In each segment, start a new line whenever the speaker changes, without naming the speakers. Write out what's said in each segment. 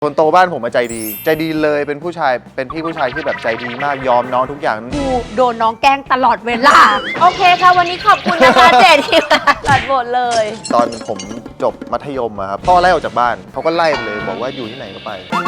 คนโตบ้านผมใจดีเลยเป็นผู้ชายเป็นพี่ผู้ชายที่แบบใจดีมากยอมน้องทุกอย่าง
กูโดนน้องแกล้งตลอดเวลา
โอเคค่ะวันนี้ขอบคุณนะคะเจนที่มาตัดบทเลย
ตอนผมจบมัธยมครับพ่อไล่ออกจากบ้านเขาก็ไล่ไปเลยบอกว่าอยู่ที่ไหนก็ไป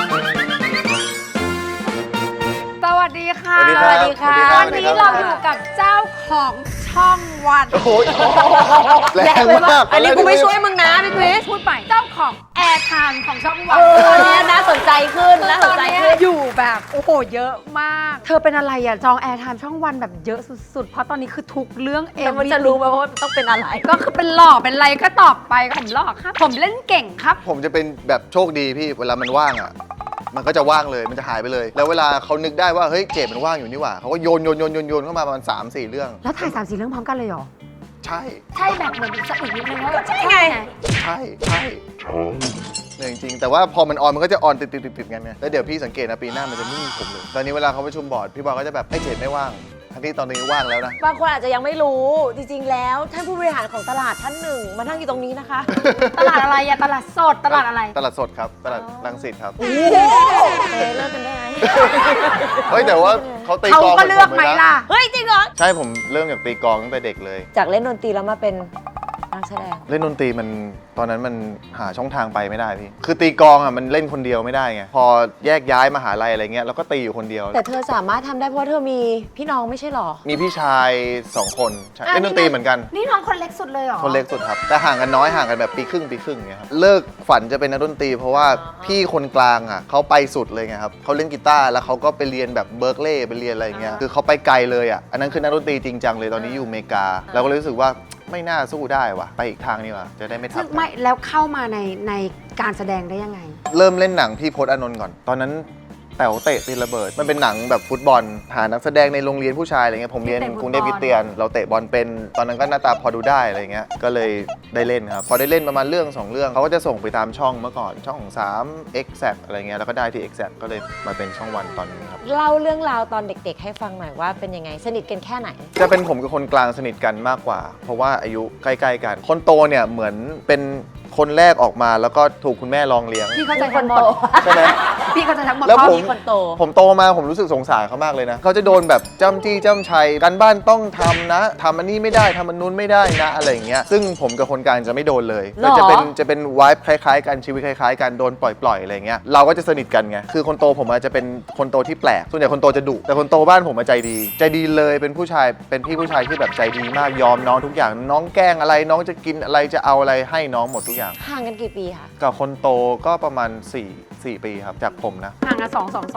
สวัสดีค่ะ
สวัสดีครับ
วันนี้เราอยู่กับเจ้าของช่องวัน
โอ้โหแรงมาก
อันนี้กูไม่ช่วยมึงนะพี่คริส
พูดใหม่เจ้าของแอร์ไทม์ของช่องวัน
ตอนนี้น่าสนใจขึ้นน่าสนใจขึ้น
อยู่แบบโอ้โหเยอะมาก เธอเป็นอะไรอ่ะจองแอร์ไทม์ช่องวันแบบเยอะสุดๆเพราะตอนนี้คือทุกเรื่อง
แล้วมันจะรู้ไหมว่าต้องเป็นอะไร
ก็คือเป็นหล่อเป็นอะไรก็ตอบไปผมหล่อครับ ผมเล่นเก่งครับ
ผมจะเป็นแบบโชคดีพี่เวลามันว่างอ่ะมันก็จะว่างเลยมันจะหายไปเลย แล้วเวลาเขานึกได้ว่าเฮ้ยเจดมันว่างอยู่นี่หว่าเขาก็โยนเข้ามาประมาณ3-4 เรื่อง
แล้วถ่าย3-4 เรื่องพร้อมกันเลยเหรอ
ใช่
ใช่แบบเหมือนสะอึกนิดนึงว่าแบบ
ใช่ไง
ใช่เนี่ยจริงๆแต่ว่าพอมันออนมันก็จะออนติดกันไงแล้วเดี๋ยวพี่สังเกตนะปีหน้ามันจะไม่มีผมเลยตอนนี้เวลาเขาประชุมบอร์ดพี่บอลก็จะแบบไอ้เจดไม่ว่างทั้งที่ตอนนี้ว่างแล้วนะ
บางคนอาจจะยังไม่รู้จริงๆแล้วท่านผู้บริหารของตลาดท่านหนึ่งมานั่งอยู่ตรงนี้นะคะ
ตลาดอะไรอะตลาดสดตลาดอะไร
ตลาดสดครับตลาดรังสิตครับ
โอ้เลิกกันได้ไหม
เฮ้ยแต่ว่าเขาตี
เขา
กลอง
ก็เลือกไหมล่ะ
เฮ้ยจริงเหรอ
ใช่ผมเริ่มจากตีกลองตั้งแต่เด็กเลย
จากเล่นดนตรีแล้วมาเป็นนักแสดง
เล่นดนตรีมันตอนนั้นมันหาช่องทางไปไม่ได้พี่คือตีกลองอ่ะมันเล่นคนเดียวไม่ได้ไงพอแยกย้ายมหาลัยอะไรเงี้ยเราก็ตีอยู่คนเดียว
แต่เธอสามารถทำได้เพราะเธอมีพี่น้องไม่ใช่หรอ
มีพี่ชาย2 คนใช่เล่นดนตรีเหมือนกัน
นี่น้องคนเล็กสุดเลยเหรอ
คนเล็กสุดครับแต่ห่างกันน้อยห่างกันแบบปีครึ่งเงี้ยครับเลิกฝันจะเป็นนักดนตรีเพราะว่าพี่คนกลางอ่ะเขาไปสุดเลยไงครับเขาเล่นกีตาร์แล้วเขาก็ไปเรียนแบบเบิร์กลีย์ไปเรียนอะไรอย่างเงี้ยคือเขาไปไกลเลยอ่ะอันนั้นคือนักดนตรีจริงจังเลยตอนนี้อยู่อเมริกาเราก็เลยรู้สึกว่าไม่น่าสู้ได้ว่ะไปอีกทางนี่ว่ะจะได้ไม่ทั
ซึ่
บ
ง
กัน
ไม่แล้วเข้ามาในการแสดงได้ยังไง
เริ่มเล่นหนังพี่พจน์อานนท์ก่อนตอนนั้นแต๋วเตะตีระเบิดมันเป็นหนังแบบฟุตบอลหานักแสดงในโรงเรียนผู้ชายอะไรเงี้ยผมเรียน
เตะฟุตบอล
กรุงเทพคริสเตียนเราเตะบอลเป็นตอนนั้นก็หน้าตาพอดูได้อะไรเงี้ยก็เลยได้เล่นครับพอได้เล่นประมาณเรื่อง2 เรื่องเขาก็จะส่งไปตามช่องเมื่อก่อนช่อง3 Exact อะไรเงี้ยแล้วก็ได้ที่ Exact ก็เลยมาเป็นช่องวันตอนนี้ครับ
เล่าเรื่องราวตอนเด็กๆ ให้ฟังหน่อยว่าเป็นยังไงสนิทกันแค่ไหน
จะเป็นผมกับคนกลางสนิทกันมากกว่า เพราะว่าอายุใกล้ๆกันคนโตเนี่ยเหมือนเป็นคนแรกออกมาแล้วก็ถูกคุณแม่รองเลี้ยง
พี่เข้าใจทั้งหมด
ใช่ไหม
พี่เข้าใจทั้งหมด
แล้ว
เพราะ
ผม
มีคนโต
ผมโตมาผมรู้สึกสงสารเขามากเลยนะเขาจะโดนแบบจ้ำจี้จ้ำชัยการบ้านต้องทำนะทำอันนี้ไม่ได้ทำอันนู้นไม่ได้นะอะไรอย่างเงี้ยซึ่งผมกับคนกลางจะไม่โดนเลย
หรอ
แต่จะเป็นวายคล้ายๆกันชีวิตคล้ายๆกันโดนปล่อยๆอะไรอย่างเงี้ยเราก็จะสนิทกันไงคือคนโตผมอาจจะเป็นคนโตที่แปลกส่วนใหญ่คนโตจะดุแต่คนโตบ้านผมใจดีเลยเป็นผู้ชายเป็นพี่ผู้ชายที่แบบใจดีมากยอมน้องทุกอย่างน้องแกล้งอะไรน้องจะกินอะไรจะเอาอะไรให้น้องหมดทุกอย่าง
ห่างกันกี่ปีคะ
กับคนโตก็ประมาณ4 ปีครับจากผมนะ
ห่างกัน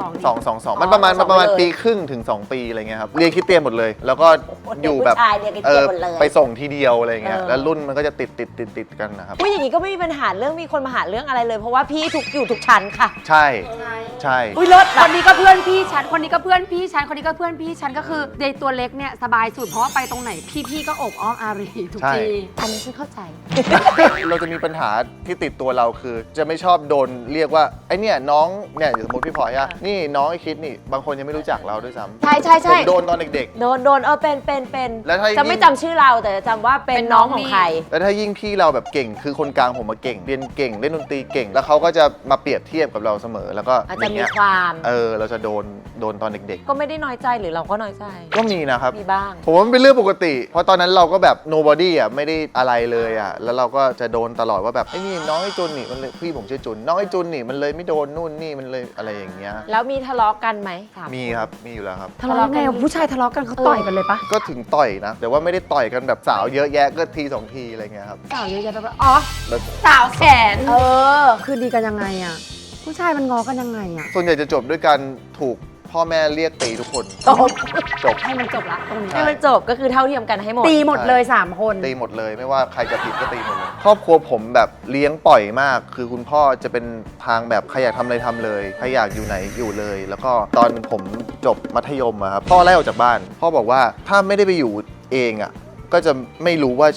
2
มันประมาณปีครึ่งถึง2 ปีอะไรเงี้ยครับเรียนคริสเตียนหมดเลย แล้วก็อยู่แบบ
ผู้ชายเรียนคริสเตียนหมดเลย
ไปส่งทีเดียวอะไรเงี้ย
เออ
แล้วรุ่นมันก็จะติดกันนะครับ
ผู้อย่างนี้ก็ไม่มีปัญหาเรื่องมีคนมาหาเรื่องอะไรเลย เพราะว่าพี่อยู่ทุกชั้นค่ะ
ใช่ใช่
อุ้ยรถ
คนนี้ก็เพื่อนพี่ฉันคนนี้ก็เพื่อนพี่ฉันคนนี้ก็เพื่อนพี่ฉันก็คือในตัวเล็กเนี่ยสบายสุดเพราะว่าไปตรงไหนพี่ก็อบอ้อมอารีทุกที
อันนี้ฉันเข้าใจ
เราจะมีปัญหาที่ติดตัวเราคือ จะไม่ชอบโดนเรียกว่าไอเนี่ยน้องเนี่ยสมมติพี่พลอยอะนี่น้องไอคิดนี่บางคนยังไม่รู้จักเราด้วยซ้ำ
ใช่ใช่
ผ
ใช่
มโดนตอนเด็ก
โดนเป็น
แล้วถ้า
จะไม่จำชื่อเราแต่จะจำว่าเป็นน้องของใคร
ๆแล้วถ้ายิ่งพี่เราแบบเก่งคือคนกลางผมมาเก่งเรียนเก่งเล่นดนตรีเก่ง แล้วเขาก็จะมาเปรียบเทียบกับเราเสมอแล้วก็
อาจ
อ
จะ
ย่าง
มี
เงี้ย
ความ
เราจะโดนตอนเด็ก
ก็ไม่ได้น้อยใจหรือเราก็น้อยใจ
ๆ ก็มีนะครับ
มีบ้าง
ผมว่ามันเป็นเรื่องปกติ เพราะตอนนั้นเราก็แบบ nobody อ่ะไม่ได้อะไรเลยอ่ะแล้วเราก็จะโดนตลอดว่าแบบไอ้นี่น้องไอ้จุนนี่มันเลยพี่ผมชื่อจุนน้องไอ้จุนนี่มันเลยไม่โดนนู่นนี่มันเลยอะไรอย่างเงี้ย
แล้วมีทะเลาะกันไหมถา
มีครับมีอยู่แล้วครับ
ทะเลาะไงผู้ชายทะเลาะกันเขาต่อยกันเลยปะ
ก็ถึงต่อยนะ แต่ว่าไม่ได้ต่อยกันแบบสาวเยอะแยะก็ที2 ทีอะไรเงี้ยครับ
สาวเยอะแยะไปปะอ๋อ
แบบ
สาวแขน
อ
คือดีกันยังไงอ่ะผู้ชายมันงอกันยังไงอ่ะ
ส่วนใหญ่จะจบด้วยการถูกพ่อแม่เรียกตีทุกคน จบ
ให้มันจบละตรงนี้
ให้มันจบก็คือเท่าเทียมกันให้หมด
ตีหมดเลย3 คน
ตีหมดเลยไม่ว่าใครจะผิดก็ตีหมดเลยครอบครัวผมแบบเลี้ยงปล่อยมาก คือคุณพ่อจะเป็นทางแบบใครอยากทำอะไรทำเลยใครอยากอยู่ไหนอยู่เลย แล้วก็ตอนผมจบมัธยมอะครับพ่อไล่ออกจากบ้าน พ่อบอกว่าถ้าไม่ได้ไปอยู่เองอะก็จะไม่รู้ว่าชีวิต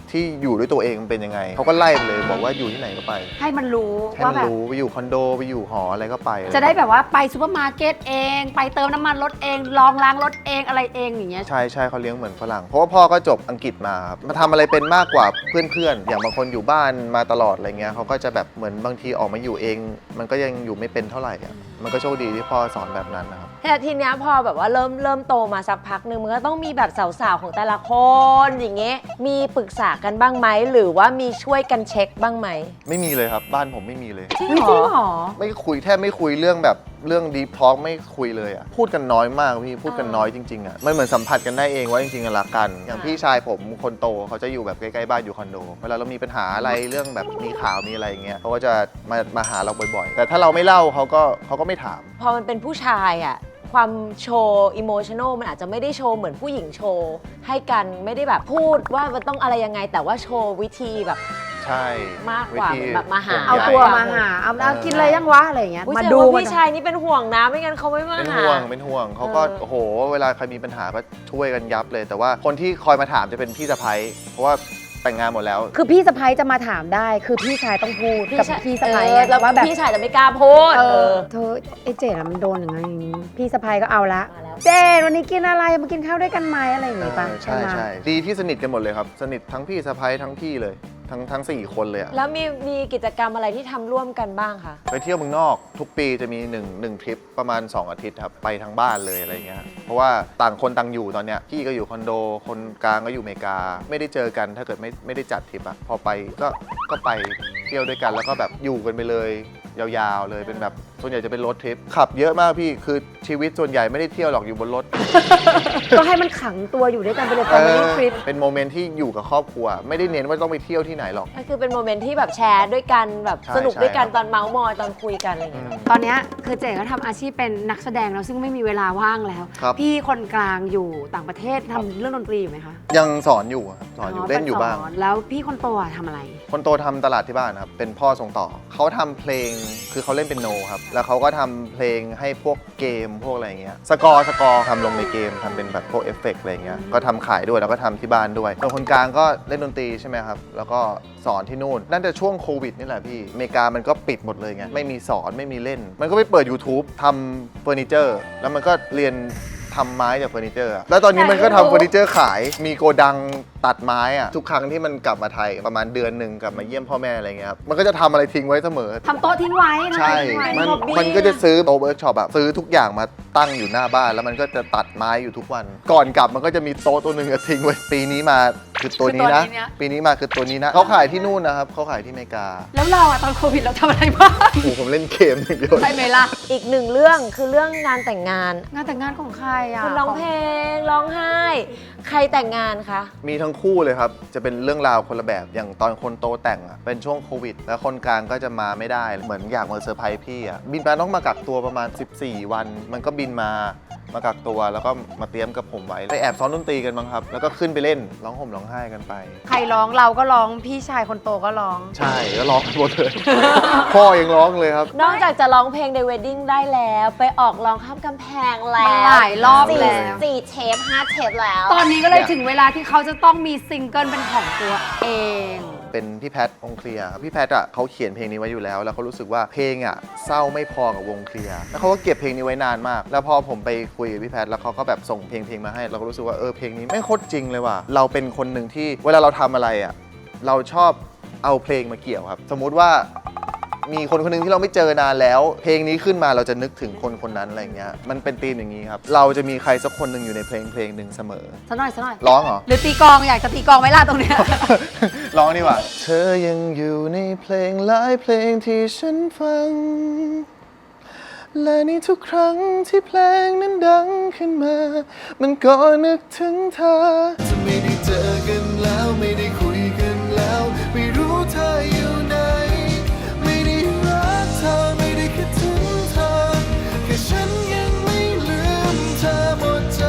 ที่อยู่ด้วยตัวเองมันเป็นยังไงเขาก็ไล่ไปเลยบอกว่าอยู่ที่ไหนก็ไป
ให้มันรู้
ให้
ว่า
มัน
แบบ
รู้ไปอยู่คอนโดไปอยู่หออะไรก็ไป
จะได้แบบว่าไปซูเปอร์มาร์เก็ตเอง ไปเติมน้ำมันรถเองลองล้างรถเองอะไรเองอย่างเงี้ย
ใช่ใช่เขาเลี้ยงเหมือนฝรั่งเพราะว่าพ่อก็จบอังกฤษมาครับมาทำอะไรเป็นมากกว่าเพื่อนๆอย่างบางคนอยู่บ้านมาตลอดอะไรเงี้ยเขาก็จะแบบเหมือนบางทีออกมาอยู่เอง มันก็ยังอยู่ไม่เป็นเท่าไหร่อะมันก็โชคดีที่พ่อสอนแบบนั้นนะครับ
แต่ทีเนี้ยพอแบบว่าเริ่มโตมาสักพักหนึ่งมันก็ต้องมีแบบสาวๆของแต่ละคนอย่างเงี้ยมีปรึกษากันบ้างไหมหรือว่ามีช่วยกันเช็คบ้างไหม
ไม่มีเลยครับบ้านผมไม่มีเลย
จริงเหรอ
ไม่คุยแทบไม่คุยเรื่องแบบเรื่องดีพอ l ไม่คุยเลยอ่ะพูดกันน้อยมากพี่พูดกันน้อยจริงๆอ่ะมันเหมือนสัมผัสกันได้เองว่าจริงๆรักกัน อย่างพี่ชายผมคนโตเขาจะอยู่แบบใกล้ๆบ้านอยู่คอนโดเวลาเรามีปัญหาอะไรเรื่องแบบมีข่าวมีอะไรอย่างเงี้ยเขาก็จะมาหาเราบ่อยๆ แต่ถ้าเราไม่เล่าเขาก็ไม่ถาม
พอมันเป็นผู้ชายอะความโชว์อิโมชัน a ลมันอาจจะไม่ได้โชว์เหมือนผู้หญิงโชว์ให้กันไม่ได้แบบพูดว่ามันต้องอะไรยังไง แต่ว่าโชว์วิธีแบบ
ใช่
มากกว่า
วิธี
แบบมาหา
ห่ง
เอา
ใย
ตัวมาหาเอากินอะไรยังวะอะไรอย่างเงี้ย
อุ๊ย
มา
แสดง
ดู
ว่า
มัน
พี่ชายนี่เป็นห่วงนะไม่งั้นเขาไม่มา
เป็น
หา
ห่วงเขาก็โอ้โหเวลาใครมีปัญหาก็ช่วยกันยับเลย แต่ว่าคนที่คอยมาถามจะเป็นพี่สะใภ้เพราะว่าแต่งงานหมดแล้ว
คือพี่สะพ้ยจะมาถามได้ คือพี่ชายต้องพูดกับพี่สะพ้ย
แล้ว
ว่าแบบ
พี่ชายจะไม่กล้าพูด
เธอไอ้เจ๋มันโดนอย่างนั้นอย่างนี้พี่สะพ้ยก็เอาละ
มาแล้ว
เจนวันนี้กินอะไรมากินข้าวด้วยกันไหมอะไรอย่างงี้ป่ะ
ใช่
ไหม
ใช่ดีที่สนิทกันหมดเลยครับ สนิททั้งพี่สะใภ้ทั้งพี่เลยทั้ง4 คนเลยอะ
แล้วมีกิจกรรมอะไรที่ทำร่วมกันบ้างคะ
ไปเที่ยวเมืองนอกทุกปีจะมี1ทริปประมาณ 2 อาทิตย์ครับ ไปทั้งบ้านเลยอะไรเงี้ยเพราะว่าต่างคนต่างอยู่ตอนเนี้ยพี่ก็อยู่คอนโดคนกลางก็อยู่อเมริกา ไม่ได้เจอกันถ้าเกิดไม่ได้จัดทริปอะพอไปก็ไปเที่ยวด้วยกันแล้วก็แบบอยู่กันไปเลยยาวๆเลยเป็นแบบส่วนใหญ่จะเป็นรถทริปขับเยอะมากพี่คือชีวิตส่วนใหญ่ไม่ได้เที่ยวหรอกอยู่บนรถ
ก็ให้มันขังตัวอยู่ด้วยกันไปเลยตอนนี้ทริป
เป็นโมเมนต์ที่อยู่กับครอบครัว ไม่ได้เน้นว่าต้องไปเที่ยวที่ไหนหรอก
ก็คือเป็นโมเมนต์ที่แบบแชร์ด้วยกันแบบ
ใช่
สนุกด้วยกัน
ใช่
ตอนเมาส์มอยตอนคุยกันอะไรอย่างเงี้ย
ตอนเนี้ยคือเจ๋ก็ทำอาชีพเป็นนักแสดงแล้วซึ่งไม่มีเวลาว่างแล้ว
ครับ
พี่คนกลางอยู่ต่างประเทศทำเรื่องดนตรีอยู่ไหมคะ
ยังสอนอยู่ครับสอนอยู่เล่นอยู่บ้าง
สแล้วพี่คนโตอะทำอะไร
คนโตทำตลาดที่บ้านครับ เป็นพ่อส่งต่อ เขาทำเพลง คือเขาเล่นเป็นโนครับ แล้วเขาก็ทำเพลงให้พวกเกมพวกอะไรอย่างเงี้ย สกอร์ทำลงในเกมทำเป็นแบบพวกเอฟเฟกต์อะไรอย่างเงี้ย ก็ทำขายด้วยแล้วก็ทำที่บ้านด้วยส่วนคนกลางก็เล่นดนตรีใช่ไหมครับ แล้วก็สอนที่นู่นน่าจะช่วงโควิดนี่แหละพี่ อเมริกามันก็ปิดหมดเลยไง ไม่มีสอนไม่มีเล่น มันก็ไปเปิด YouTube ทำเฟอร์นิเจอร์ แล้วมันก็เรียนทำไม้จากเฟอร์นิเจอร์อะแล้วตอนนี้มันก็ทำเฟอร์นิเจอร์ขาย มีโกดังตัดไม้อะทุกครั้งที่มันกลับมาไทยประมาณเดือนหนึ่งกลับมาเยี่ยมพ่อแม่อะไรเงี้ยครับ มันก็จะทำอะไรทิ้งไว้เสมอ
ทำโต๊ะทิ้งไว้ทำ
ใช่
อะไรทิ้งไว้
มัน
ฮอบบี้
มันก็จะซื้อโต๊ะเวิร์กช็อปแบบซื้อทุกอย่างมาตั้งอยู่หน้าบ้าน แล้วมันก็จะตัดไม้อยู่ทุกวัน ก่อนกลับมันก็จะมีโต๊ะตัวหนึ่งอะทิ้งไว้ ปีนี้มาคือตัวนี้นะ ปีนี้มาคือตัวนี้นะเขาขายที่นู่นนะครับเขาขายที่อเมริกา
แล้วเราอะตอนโควิดเราทำอะไรบ้าง
โอ้โหผมเล่นเกมอย่างเดียว
ใช่ไหมล่ะ
อีกหนึ่งเรื่องคือเรื่องงานแต่งงาน
งานแต่งงานของใครอะ
คุณร้องเพลงร้องไห้ ใครแต่งงานคะ
มีทั้งคู่เลยครับ จะเป็นเรื่องราวคนละแบบ อย่างตอนคนโตแต่งอะเป็นช่วงโควิด แล้วคนกลางก็จะมาไม่ได้ เหมือนอยากมาเซอร์ไพรส์พี่อะบินมาต้องมากักตัวประมาณ 14 วัน มันก็บินมากักตัวแล้วก็มาเตรียมกับผมไว้ไปแอบซ้อมดนตรีกันบ้างครับ แล้วก็ขึ้นไปเล่นร้องห่มร้องไห้กันไป
ใครร้องเราก็ร้องพี่ชายคนโตก็ร้อง
ใช่ก็ร้องกันหมดเลย พ่อยังร้องเลยครับ
นอกจากจะร้องเพลงในเวดดิ้งได้แล้ว ไปออกร้องข้ามกำแพงแล้ว
หลายรอบแล้ว
สี่เทป5 เทปแล้ว
ตอนนี้ก็เลยถึงเวลาที่เขาจะต้องมีซิงเกิลเป็นของตัวเอง
เป็นพี่แพทวงเคลียร์ครับพี่แพทอ่ะเขาเขียนเพลงนี้ไว้อยู่แล้ว แล้วเขารู้สึกว่าเพลงอ่ะเศร้าไม่พอกับวงเคลียร์แล้วเขาก็เก็บเพลงนี้ไว้นานมาก แล้วพอผมไปคุยกับพี่แพทแล้วเขาก็แบบส่งเพลงมาให้ เราก็รู้สึกว่าเพลงนี้ไม่งโคตรจริงเลยว่ะเราเป็นคนหนึ่งที่เวลาเราทำอะไรอ่ะเราชอบเอาเพลงมาเกี่ยวครับ สมมุติว่ามีคนคนหนึงที่เราไม่เจอนานแล้ว เพลงนี้ขึ้นมาเราจะนึกถึงคนคนนั้นอะไรเงี้ยมันเป็นธีมอย่างนี้ครับเราจะมีใครสักคนหนึ่งอยู่ในเพลงหนึ่งเสมอ
สักหน่อยสักหน่อย
ร้องเหรอ
หรือตีกลองอยากจะตีกลองไหมล่ะตรงเนี้ย
ร้องดีกว่าเธอยังอยู่ในเพลงหลายเพลงที่ฉันฟัง และในทุกครั้งที่เพลงนั้นดังขึ้นมา มันก็นึกถึงเธอจะไม่ได้เจอกันแล้วไม่ได้คุยกันแล้ว ไม่รู้เธออยู่ไหนไม่ได้รักเธอไม่ได้คิดถึงเธอแค่ฉันยังไม่ลืมเธอหมดใจ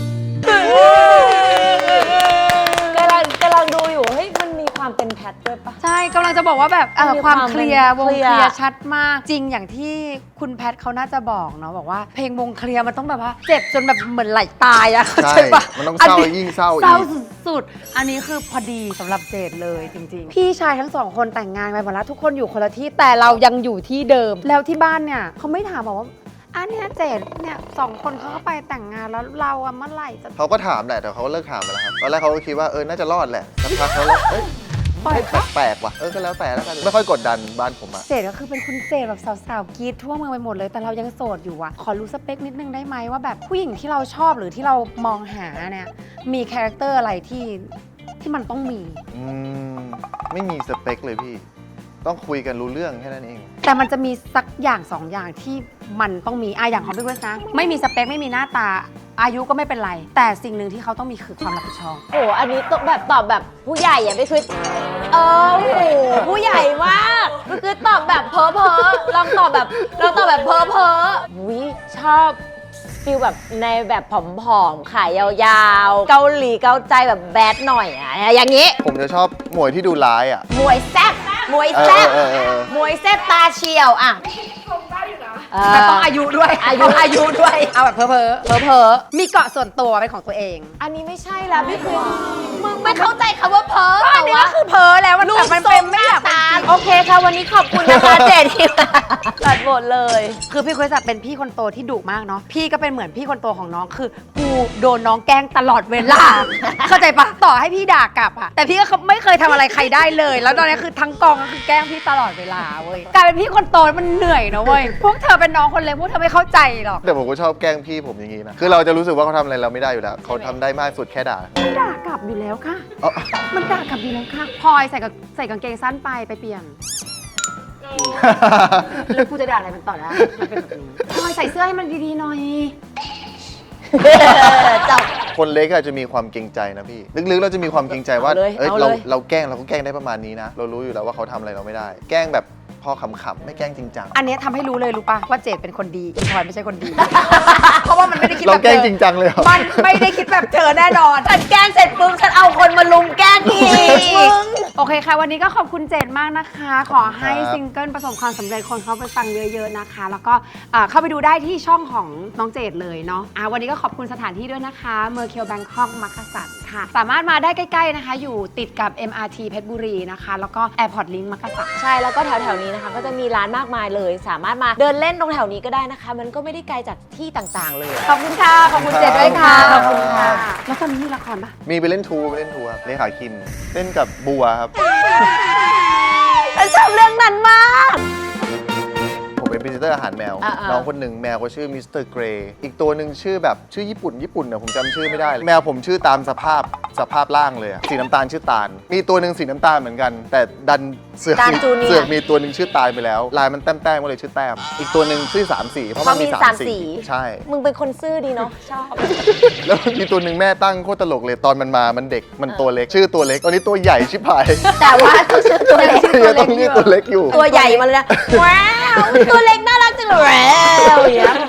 กำลังดูอยู่เฮ้ยมันมีความเป็นแพทด้วยปะ
ใช่กำลังลังจะบอกว่าแบบ
มี
ความเคลียร์วง
เคลี
เค
ยร์
ลียร์ชัดมากจริงอย่างที่คุณแพทเขาน่าจะบอกเนาะบอกว่าเพลงวงเคลียร์มันต้องแบบว่าเจ็บจนแบบเหมือนไหลตายอะ
ใช่
ใช่ปะ
มันต้องเศร้า
อันนี้
ยิ่งเศร้าอีก
เศร้าสุดๆอันนี้คือพอดีสำหรับเจดเลยจริงๆ พี่ชายทั้งสองคนแต่งงานไปหมดแล้วทุกคนอยู่คนละที่แต่เรายังอยู่ที่เดิม แล้วที่บ้านเนี่ยเขาไม่ถามบอกว่าอันเนี้ยเจดเนี่ยสองคนเขาก็ไปแต่งงานแล้วเราอะเมื่อไหร่จะ
เขาก็ถามแหละแต่เขาก็เลิกถามไปแล้วครับตอนแรกเขาก็คิดว่าน่าจะรอดแหละสักพักเขาเลยเอ้ย
ปล่อยปะ
แปลกๆว่ะก็แล้วแต่แล้วกันไม่ค่อยกดดันบ้านผมอะ
เจดก็คือเป็นคุณเจดแบบสาวๆกรีดทั่วเมืองไปหมดเลยแต่เรายังโสดอยู่อะขอรู้สเปคนิดนึงได้ไหมว่าแบบผู้หญิงที่เราชอบหรือที่เรามองหาเนี่ยมีคาแรคเตอร์อะไรที่มันต้องมี
ไม่มีสเปคเลยพี่ ต้องคุยกันรู้เรื่องแค่นั้นเอง
แต่มันจะมีสักอย่างสองอย่างที่มันต้องมีอย่างของพี่เพื่อนนะไม่มีสเปคไม่มีหน้าตาอายุก็ไม่เป็นไร แต่สิ่งหนึ่งที่เขาต้องมีคือความรับผิดชอบ
โอ้อันนี้ตอบแบบผู้ใหญ่อะไม่คือโอ้โหผู้ใหญ่มากคือตอบแบบเพ้อลองตอบแบบเพ้อวิชอบฟิลแบบในแบบผอมๆขายยาวๆ เกาหลีเกาใจแบบแบดหน่อยอะอย่างนี้
ผมจะชอบหมวยที่ดูร้ายอะ
มวยแซ่บมวยแซ่บมวยแซ่บตาเฉียวอะเ
แต่ต้องอายุด้วย
อายุด้วย
เอาแบบเพ้อมีเกาะส่วนตัวเป็นของตัวเอง
อันนี้ไม่ใช่แล้วพี่คือมึงไม่เข้าใจคำว่าเพ้อ
อั
แต่
นนี้
ว่า
ก็คือเพ้อแล้วมัน
รู
แต่
ป
มัน
ทร
เป็น
งห
ไม่
น้า
อยากเป็น
ตา
จริง
โอเคค่ะวันนี้ขอบคุณนะคะเจนที่มาตัดบทเลย
คือพี่คริสอะเป็นพี่คนโตที่ดุมากเนาะพี่ก็เป็นเหมือนพี่คนโตของน้องคือกูโดนน้องแกล้งตลอดเวลา เข้าใจปะต่อให้พี่ด่ากลับอะแต่พี่ก็ไม่เคยทำอะไรใครได้เลย แล้วตอนนี้คือทั้งกองก็คือแกล้งพี่ตลอดเวลาเว้ยกลายเป็นพี่คนโตมันเหนื่อยนะเว้ยพวกเธอเป็นน้องคนเล็กพวกเธอไม่เข้าใจหรอก
แต่ผมก็ชอบแกล้งพี่ผมอย่างนี้นะ คือเราจะรู้สึกว่าเขาทำอะไรเราไม่ได้อยู่แล้ว เขาทำได้มากสุดแค่ด่า
มันด่ากลับอยู่แล้วค่ะ
เอ้า
มันด่ากลับอยู่แล้วค่ะพลอยใส่กางเกงสั้นไปเปลี่ยน แล้วกูจะด่าอะไรมันต่อได้มันเป็นแบบนี้พลอยใส่เสื้อให้มันดีๆหน่อย
จับ
คนเล็กอาจจะมีความเกรงใจนะพี่ ลึกๆเราจะมีความเกรงใจว่า
เอาเลย
เอ้ย
เอาเลย
เราแกล้งเราก็แกล้งได้ประมาณนี้นะ เรารู้อยู่แล้วว่าเขาทำอะไรเราไม่ได้ แกล้งแบบพอขำๆไม่แกล้งจริงจัง
อันเนี้ยทำให้รู้เลยรู้ป่ะว่าเจดเป็นคนดีอีพลอยไม่ใช่คนดี เพราะว่ามันไม่ได้คิด
เรา
แบบ
แกล้ง
เธอ
จริงจังเลยเหรอ
มันไม่ได้คิดแบบเธอแน่นอน
ฉันแกล้งเสร็จปุ๊บฉันเอาคนมาลุมแกล้งอีก
โอเคค่ะ วันนี้ก็ขอบคุณเจดมากนะคะ ขอให้
ครับ
ซิงเกิลประสบความสำเร็จคนเขาไปฟังเยอะๆนะคะ แล้วก็เข้าไปดูได้ที่ช่องของน้องเจดเลยเนาะวันนี้ก็ขอบคุณสถานที่ด้วยนะคะเมอร์เคียวแบงคอกมักกะสันค่ะ สามารถมาได้ใกล้ๆนะคะ อยู่ติดกับ MRT เพชรบุรีนะคะ แล้วก็ Airport Link มักกะสัน
ใช่แล้วก็แถวๆนี้นะคะก็จะมีร้านมากมายเลย สามารถมาเดินเล่นตรงแถวนี้ก็ได้นะคะ มันก็ไม่ได้ไกลจากที่ต่างๆเลย
ขอบคุณค่ะ ขอบคุณเจดด้วยค่ะ
ค
ข
รั
อ
บบ
คุณค่ะ แล้วตอนนี้มีละครปะ
มีไปเล่นทูครับเลขาคิมเล่นกับบัวครับ
ฉันชอบเรื่องนั้นมาก
ผมเป็นพรีเซนเตอร์อาหารแมว น้องคนหนึ่งแมวเขาชื่อมิสเตอร์เกรย์อีกตัวหนึ่งชื่อแบบชื่อญี่ปุ่นนะผมจำชื่อไม่ได้ แมวผมชื่อตามสภาพร่างเลยอะสีน้ำตาลชื่อตาล มีตัวหนึ่งสีน้ำตาลเหมือนกัน แต่ดันเสือก
ตาลจูเนียร์
เสือกมีตัวหนึ่งชื่อตาลไปแล้ว ลายมันแต้มก็เลยชื่อแต้ม อีกตัวหนึ่งชื่อสามสีเพราะมันมี
เพราะมี
สาม
3
สี
สี
ใช่
มึงเป็นคนซื่อดีเนาะชอบ
แล้วมีตัวหนึ่งแม่ตั้งโคตรตลกเลยตอนมันมามันเด็กมันตัวเล็กชื่อตัวเล็กตอนนี้ตัวใหญ่ชิบหาย
แต่ว่าต้องชื่อตัวเล็ก
ต้องเรียกตัวเล็กอยู่
ตัวใหญ่มาเลยนะว้าวตัวเล็กน่ารักจังเลยแล้วอย่างเงี้ย